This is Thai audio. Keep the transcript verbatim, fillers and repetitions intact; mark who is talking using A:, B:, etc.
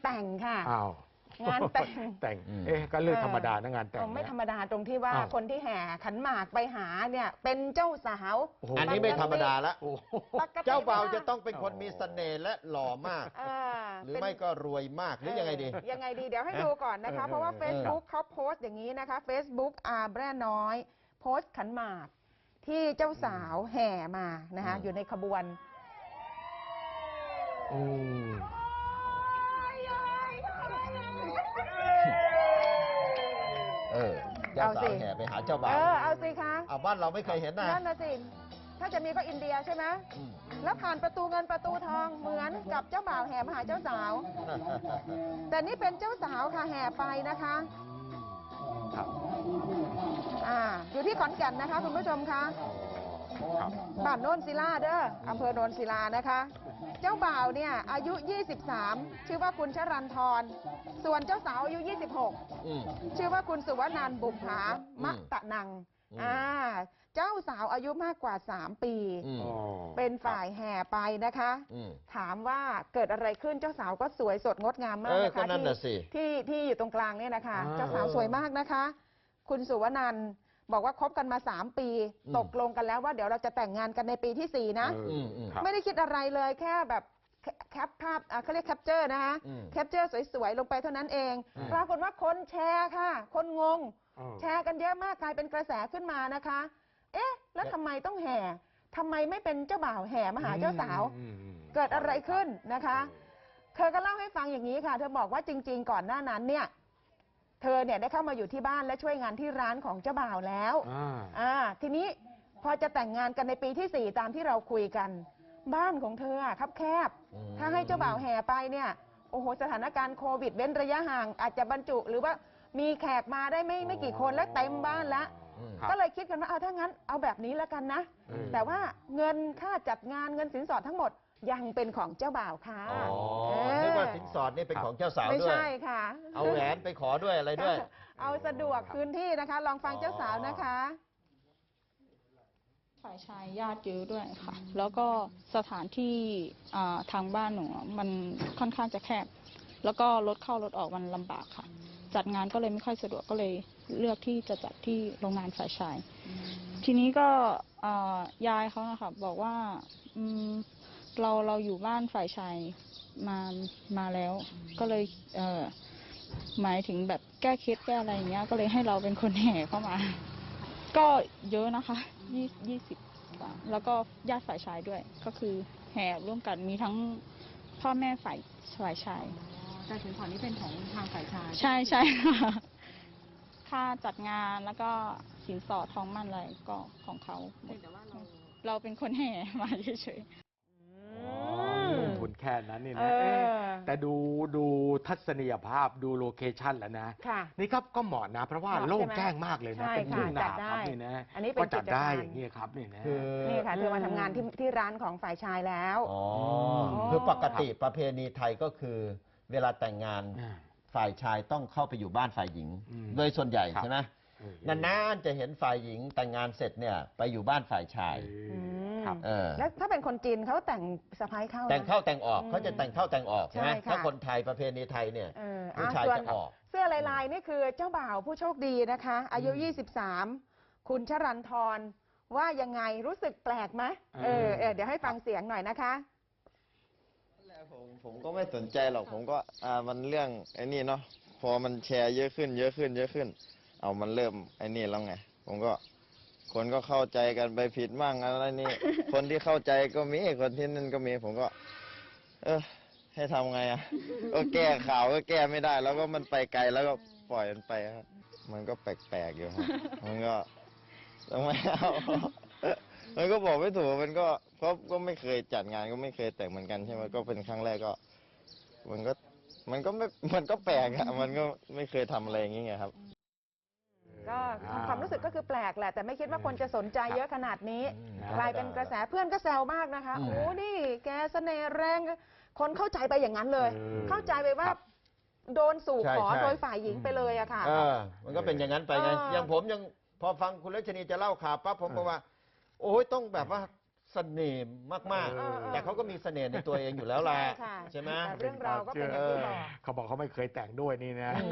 A: แต่งค่ะ
B: อ้าว
A: งานแต่ง
B: แต่งเอ๊ะก็เรื่องธรรมดานะงานแต่ง
A: ไม่ธรรมดาตรงที่ว่าคนที่แห่ขันหมากไปหาเนี่ยเป็นเจ้าสาว
C: อันนี้ไม่ธรรมดาละเจ้าบ่าวจะต้องเป็นคนมีเสน่ห์และหล่อมากหรือไม่ก็รวยมากหรือยังไงดี
A: ยังไงดีเดี๋ยวให้ดูก่อนนะคะเพราะว่า Facebook เขาโพสต์อย่างนี้นะคะ Facebook อาแบร่น้อยโพสต์ขันหมากที่เจ้าสาวแห่มานะคะอยู่ในขบวน
C: เออเจ้าสาวแห่ไปหาเจ้าบ่าว
A: เออเอาสิคะ
C: เอาบ้านเราไม่เคยเห็นนะ
A: นั่นนะสิถ้าจะมีก็อินเดียใช่ไหมแล้วผ่านประตูเงินประตูทองเหมือนกับเจ้าบ่าวแห่มาหาเจ้าสาวแต่นี่เป็นเจ้าสาวค่ะแห่ไปนะคะ
B: ครับ
A: อ่าอยู่ที่ขอนแก่นนะคะคุณผู้ชมคะบ้านโนนศิลาเด้ออำเภอโนนศิลานะคะเจ้าบ่าวเนี่ยอายุยี่สิบสามชื่อว่าคุณชรันทรส่วนเจ้าสาวอายุยี่สิบหกชื่อว่าคุณสุวนันท์บุภามะตะนังอ่าเจ้าสาวอายุมากกว่าสามปีเป็นฝ่ายแห่ไปนะคะถามว่าเกิดอะไรขึ้นเจ้าสาวก็สวยสดงดงามมากนะคะที่ที่ที่อยู่ตรงกลางเนี่ยนะคะเจ้าสาวสวยมากนะคะคุณสุวนันท์บอกว่าคบกันมาสามปีตกลงกันแล้วว่าเดี๋ยวเราจะแต่งงานกันในปีที่สี่นะไม่ได้คิดอะไรเลยแค่แบบแคปภาพเขาเรียกแคปเจอร์นะคะแคปเจอร์สวยๆลงไปเท่านั้นเองปรากฏว่าคนแชร์ค่ะคนงงแชร์กันเยอะมากกลายเป็นกระแสขึ้นมานะคะเอ๊ะแล้วทำไมต้องแห่ทำไมไม่เป็นเจ้าบ่าวแห่มาหาเจ้าสาวเกิดอะไรขึ้นนะคะเธอก็เล่าให้ฟังอย่างนี้ค่ะเธอบอกว่าจริงๆก่อนหน้านั้นเนี่ยเธอเนี่ยได้เข้ามาอยู่ที่บ้านและช่วยงานที่ร้านของเจ้าบ่าวแล้วอ่าทีนี้พอจะแต่งงานกันในปีที่สี่ตามที่เราคุยกันบ้านของเธอคับแคบถ้าให้เจ้าบ่าวแห่ไปเนี่ยโอ้โหสถานการณ์โควิดเว้นระยะห่างอาจจะบรรจุหรือว่ามีแขกมาได้ไม่ไม่กี่คนแล้วเต็มบ้านละก็เลยคิดกันว่าเอาถ้างั้นเอาแบบนี้แล้วกันนะแต่ว่าเงินค่าจัดงานเงินสินสอดทั้งหมดยังเป็นของเจ้าบ่าวค่ะ
C: นึกว่าสินสอดนี่เป็นของเจ้าสาวด้วยไม่
A: ใช่ค่ะ
C: เอาแหวนไปขอด้วยอะไรด้วย
A: เอาสะดวกพื้นที่นะคะลองฟังเจ้าสาวนะคะ
D: ฝ่ายชายญาติเยอะด้วยค่ะแล้วก็สถานที่ทางบ้านหนูมันค่อนข้างจะแคบแล้วก็รถเข้ารถออกมันลำบากค่ะจัดงานก็เลยไม่ค่อยสะดวกก็เลยเลือกที่จะจัดที่โรงงานฝ่ายชายทีนี้ก็ยายเขานะคะบอกว่าเราเราอยู่บ้านฝ่ายชายมามาแล้วก็เลยเอ่อหมายถึงแบบแก้เคล็ดแก้อะไรอย่างเงี้ยก็เลยให้เราเป็นคนแห่เข้ามาก็เยอะนะคะยี่ยี่สิบแล้วก็ญาติฝ่ายชายด้วยก็คือแห่ร่วมกันมีทั้งพ่อแม่ฝ่ายฝ่ายชาย
A: แต่สินสอดนี้เป็นของทางฝ่ายชาย
D: ใช่ใช่ค่ะค่าจัดงานแล้วก็สินสอดทองมั่นอะไรก็ของเขาแต่ว่าเราเราเป็นคนแห่มาเฉย
B: ลงทุนแค่นั้นนี่นะแต่ดูดูทัศนียภาพดูโลเคชั่นแล้วนะนี่ครับก็เหมาะนะเพราะว่าโล่งแจ้งมากเลยนะเป็นทุ่งนาครับนี่นะ
A: อันนี้เป็น
B: จัดได้อย่างนี้ครับนี่นะ
A: นี่ค่ะเธอมาทำงานที่ที่ร้านของฝ่ายชายแล้ว
C: อ๋อคือปกติประเพณีไทยก็คือเวลาแต่งงานฝ่ายชายต้องเข้าไปอยู่บ้านฝ่ายหญิงโดยส่วนใหญ่ใช่ไหมนานๆจะเห็นฝ่ายหญิงแต่งงานเสร็จเนี่ยไปอยู่บ้านฝ่ายชาย
A: แล้วถ้าเป็นคนจีนเขาแต่งสะพ้ายเข้า
C: แต่งเข้าแต่งออกเขาจะแต่งเข้าแต่งออกใช่ไหมถ้าคนไทยประเพณีไทยเนี่ยผู้ชายจะออก
A: เสื้อลายๆนี่คือเจ้าบ่าวผู้โชคดีนะคะอายุยี่สิบสามคุณชรันทรว่ายังไงรู้สึกแปลกไหมเออเดี๋ยวให้ฟังเสียงหน่อยนะคะ
E: ผมผมก็ไม่สนใจหรอกผมก็อ่ามันเรื่องไอ้นี่เนาะพอมันแชร์เยอะขึ้นเยอะขึ้นเยอะขึ้นเอามันเริ่มไอ้นี่แล้วไงผมก็คนก็เข้าใจกันไปผิดมั่งอะไรนี่คนที่เข้าใจก็มีคนที่นั่นก็มีผมก็เออให้ทำไงอ่ะก็แก้ข่าวก็แก้ไม่ได้แล้วก็มันไปไกลแล้วก็ปล่อยมันไปครับมันก็แปลกๆอยู่ครับมันก็ทำไมเอามันก็บอกไม่ถูกมันก็เพราะก็ไม่เคยจัดงานก็ไม่เคยแต่งเหมือนกันใช่ไหมก็เป็นครั้งแรกก็มันก็มันก็ไม่มันก็แปลกอะมันก็ไม่เคยทำอะไรอย่างเงี้ยครับ
A: ก็ความรู้สึกก็คือแปลกแหละแต่ไม่คิดว่าคนจะสนใจเยอะขนาดนี้กลายเป็นกระแสเพื่อนก็แซวมากนะคะโอ้นี่แกเสน่ห์แรงคนเข้าใจไปอย่างนั้นเลยเข้าใจไปว่าโดนสู่ขอโดยฝ่ายหญิงไปเลยอะค่ะ
C: มันก็เป็นอย่างนั้นไปไงอย่างผมยังพอฟังคุณรัชนีจะเล่าข่าวปั๊บผมก็ว่าโอ้ยต้องแบบว่าเสน่ห์มาก
B: เออ
C: ๆ แต่เขาก็มีเสน่ห์ในตัวเองอยู่แล้วแหละ
A: ใช่ค่ะ
C: ใช่ไหม
A: แต่เรื่องราวก็เป็นอย่างที่บอก
B: เขาบอกเขาไม่เคยแต่งด้วยนี่นะ